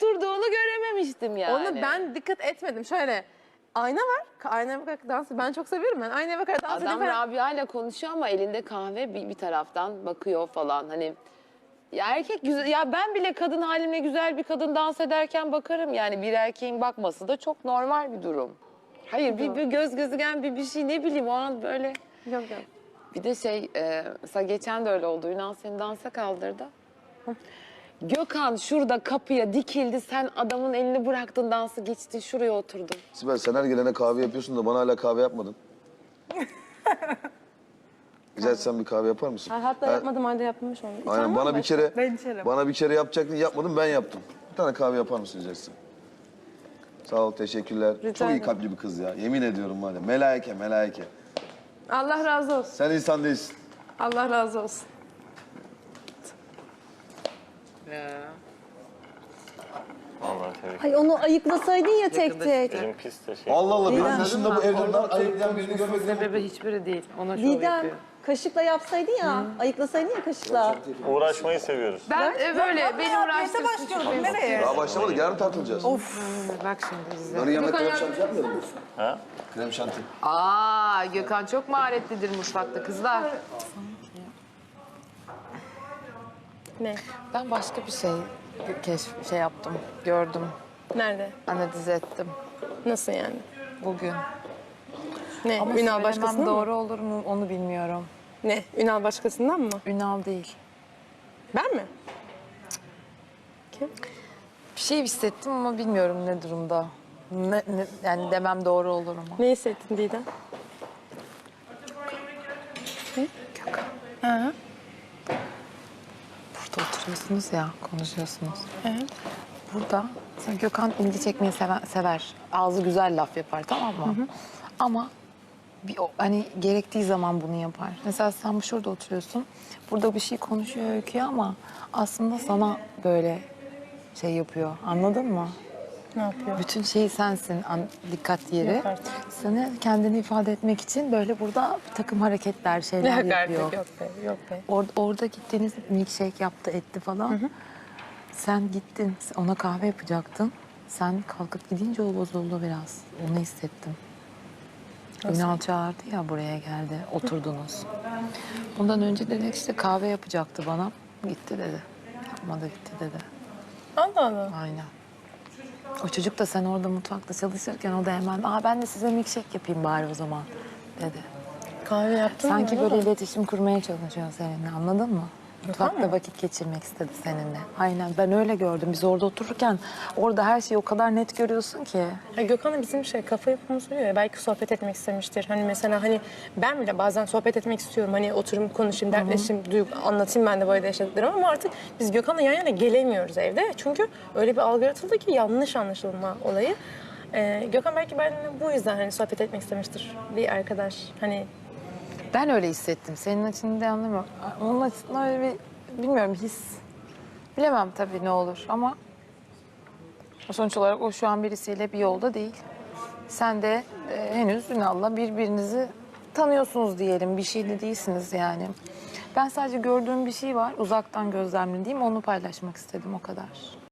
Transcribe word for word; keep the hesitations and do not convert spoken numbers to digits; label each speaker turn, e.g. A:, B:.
A: oturduğunu görememiştim yani.
B: Onu ben dikkat etmedim. Şöyle ayna var. Aynaya bakarak dans. Ben çok seviyorum ben. Aynaya bakarak dans
A: Adam
B: edeyim.
A: Rabia ile konuşuyor ama elinde kahve bir, bir taraftan bakıyor falan. Hani ya erkek güzel, ya ben bile kadın halimle güzel bir kadın dans ederken bakarım yani, bir erkeğin bakması da çok normal bir durum. Hayır, bir, bir göz gözügen bir bir şey, ne bileyim, o an böyle.
B: Yok yok.
A: Bir de şey, e, mesela geçen de öyle oldu. Ünal seni dansa kaldırdı. Gökhan şurada kapıya dikildi. Sen adamın elini bıraktın, dansı geçtin, şuraya oturdun.
C: Sibel, sen her gelene kahve yapıyorsun da bana hala kahve yapmadın. Rica etsem bir kahve yapar mısın?
B: Ha, hatta
C: Ha,
B: yapmadım halde yapmış onu.
C: Aynen, bana bir kere
B: Ben içerim.
C: bana bir kere yapacaktın, yapmadım, ben yaptım. Bir tane kahve yapar mısın rica etsem? Sağ ol, teşekkürler.
B: Rica
C: Çok iyi
B: ederim.
C: kalpli bir kız ya. Yemin ediyorum var ya. Melaike, melaike.
B: Allah razı olsun.
C: Sen insan değilsin.
B: Allah razı olsun.
D: Vallahi tebrik
E: Ay onu ayıklasaydın ya tek tek.
D: ederim. Pis de şey.
C: Allah Allah,
E: Didem.
C: benim dışında bu evden ayıplayan birini görmedim.
A: Sebebi hiçbiri değil. Ona şov
E: Didem
A: yapıyor.
E: kaşıkla yapsaydın ya. Ayıklasaydın ya kaşıkla.
D: Uğraşmayı seviyoruz.
A: Ben e, böyle benim uğraştığım
F: başlıyorum. Nereye?
C: Daha başlamadık, yarın tartılacağız.
A: Bak şimdi bize.
C: Yarın yemek krem şanti yapmayalım mı?
D: Ha?
C: Krem şanti.
A: Aa, Gökhan çok maharetlidir mutfakta kızlar.
B: Ne?
A: Ben başka bir şey keşf şey yaptım, gördüm,
B: Nerede?
A: analiz ettim
B: Nasıl yani?
A: bugün.
B: Ne?
A: Ama
B: Ünal
A: söylemem
B: başkasından
A: doğru
B: mı?
A: olur mu onu bilmiyorum.
B: Ne? Ünal başkasından mı?
A: Ünal değil.
B: Ben mi?
A: Bir şey hissettim ama bilmiyorum ne durumda. Ne, ne- yani demem doğru olur mu?
B: Ne hissettin Didem?
A: Burada oturuyorsunuz ya, konuşuyorsunuz. Burada mesela Gökhan ilgi çekmeyi sever, sever. Ağzı güzel laf yapar, tamam mı? Ama bir, o- hani gerektiği zaman bunu yapar. Mesela sen şurada oturuyorsun. Burada bir şey konuşuyor, öyküyor ama aslında sana böyle şey yapıyor. Anladın mı?
B: Ne yapıyor?
A: Bütün şey sensin, an, dikkat yeri.
B: Yok artık.
A: Seni kendini ifade etmek için böyle burada bir takım hareketler, şeyler
B: Yok
A: yapıyor.
B: artık, yok be, yok be.
A: Or orada gittiğiniz milkshake yaptı, etti falan. Sen gittin, ona kahve yapacaktın. Sen kalkıp gidince o bozuldu biraz. Onu hissettim. Ünal çağırdı ya, buraya geldi, oturdunuz. Bundan önce dedi işte kahve yapacaktı bana. Gitti dedi. Yapmadı, gitti dedi.
B: Allah Allah.
A: Aynen. O çocuk da sen orada mutfakta çalışırken o da hemen, aa ben de size milkshake yapayım bari o zaman dedi.
B: Kahve yaptın mı?
A: Sanki
B: öyle
A: böyle
B: mi?
A: iletişim kurmaya çalışıyor seninle, anladın mı? Mutfakta vakit geçirmek istedi seninle. Aynen, ben öyle gördüm. Biz orada otururken orada her şeyi o kadar net görüyorsun ki.
B: Ya Gökhan'ın bizim şey kafa yapımız oluyor ya, belki sohbet etmek istemiştir. Hani mesela hani ben bile bazen sohbet etmek istiyorum. Hani oturayım konuşayım, dertleşeyim, duygu, anlatayım ben de böyle yaşadıklarımı ama artık biz Gökhan'la yan yana gelemiyoruz evde. Çünkü öyle bir algı yaratıldı ki yanlış anlaşılma olayı. Ee, Gökhan belki benimle bu yüzden hani sohbet etmek istemiştir. Bir arkadaş hani
A: Ben öyle hissettim. Senin açını da anlamıyorum. Onun açısından öyle bir, bilmiyorum, his. Bilemem tabii ne olur ama sonuç olarak o şu an birisiyle bir yolda değil. Sen de e, henüz Ünal'la birbirinizi tanıyorsunuz diyelim. Bir şey de değilsiniz yani. Ben sadece gördüğüm bir şey var. Uzaktan gözlemlediğim, onu paylaşmak istedim, o kadar.